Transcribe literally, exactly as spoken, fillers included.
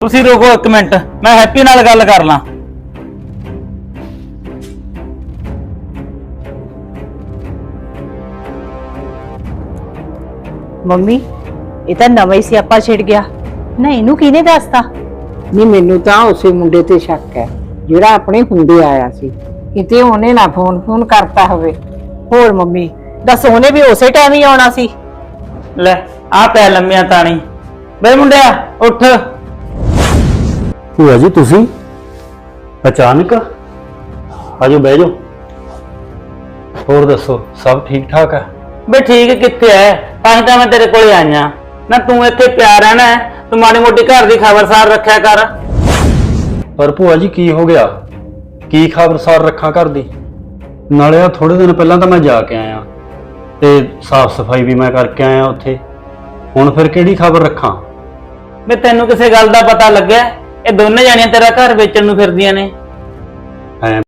ਤੁਸੀਂ ਰੁਕੋ ਇੱਕ ਮਿੰਟ, ਮੈਂ ਹੈਪੀ ਨਾਲ ਗੱਲ ਕਰ ਲਾਂ। ਮੰਮੀ ਇਹ ਤਾਂ ਨਵਾਂ ਹੀ ਸਿਆਪਾ ਛਿੜ ਗਿਆ ਨਾ, ਇਹਨੂੰ ਕਿਹਨੇ ਦੱਸਤਾ? ਨਹੀਂ, ਮੈਨੂੰ ਤਾਂ ਉਸੇ ਮੁੰਡੇ ਤੇ ਸ਼ੱਕ ਹੈ ਜਿਹੜਾ ਆਪਣੇ ਹੁੰਦੇ ਆਇਆ ਸੀ। ਕਿਤੇ ਉਹਨੇ ਨਾ ਫੋਨ ਫੋਨ ਕਰਤਾ ਹੋਵੇ। ਹੋਰ ਮੰਮੀ ਦੱਸ, ਉਹਨੇ ਵੀ ਉਸੇ ਟਾਈਮ ਹੀ ਆਉਣਾ ਸੀ। ਲੈ ਆ ਪੈ ਲੰਮਿਆ ਤਾਣੀ। ਬੇ ਮੁੰਡਿਆ ਉੱਠ। ਭੂਆ ਜੀ ਤੁਸੀਂ ਅਚਾਨਕ? ਆਜੋ ਬਹਿ ਜਾਓ। ਹੋਰ ਦੱਸੋ, ਸਭ ਠੀਕ ਠਾਕ ਹੈ? ਬੇ ਠੀਕ ਕਿੱਥੇ ਐ, ਤਾਂ ਹੀ ਤਾਂ ਮੈਂ ਤੇਰੇ ਕੋਲੇ ਆਈਆਂ ਨਾ। ਤੂੰ ਇੱਥੇ ਪਿਆ ਰਹਿਣਾ ਹੈ, ਤੂੰ ਮਾੜੀ ਮੋਟੀ ਘਰ ਦੀ ਖਬਰਸਾਰ ਰੱਖਿਆ ਕਰ। ਪਰ ਭੂਆ ਜੀ ਕੀ ਹੋ ਗਿਆ? ਕੀ ਖਬਰਸਾਰ ਰੱਖਾਂ ਘਰ ਦੀ? ਨਾਲੇ ਆ ਥੋੜੇ ਦਿਨ ਪਹਿਲਾਂ ਤਾਂ ਮੈਂ ਜਾ ਕੇ ਆਇਆ ਤੇ ਸਾਫ਼ ਸਫਾਈ ਵੀ ਮੈਂ ਕਰਕੇ ਆਇਆ ਉੱਥੇ। ਹੁਣ ਫਿਰ ਕਿਹੜੀ ਖਬਰ ਰੱਖਾਂ? ਬੇ ਤੈਨੂੰ ਕਿਸੇ ਗੱਲ ਦਾ ਪਤਾ ਲੱਗਿਆ? ਇਹ ਦੋਨੇ ਜਾਣੀਆਂ ਤੇਰਾ ਘਰ ਵੇਚਣ ਨੂੰ ਫਿਰਦੀਆਂ ਨੇ। ਐ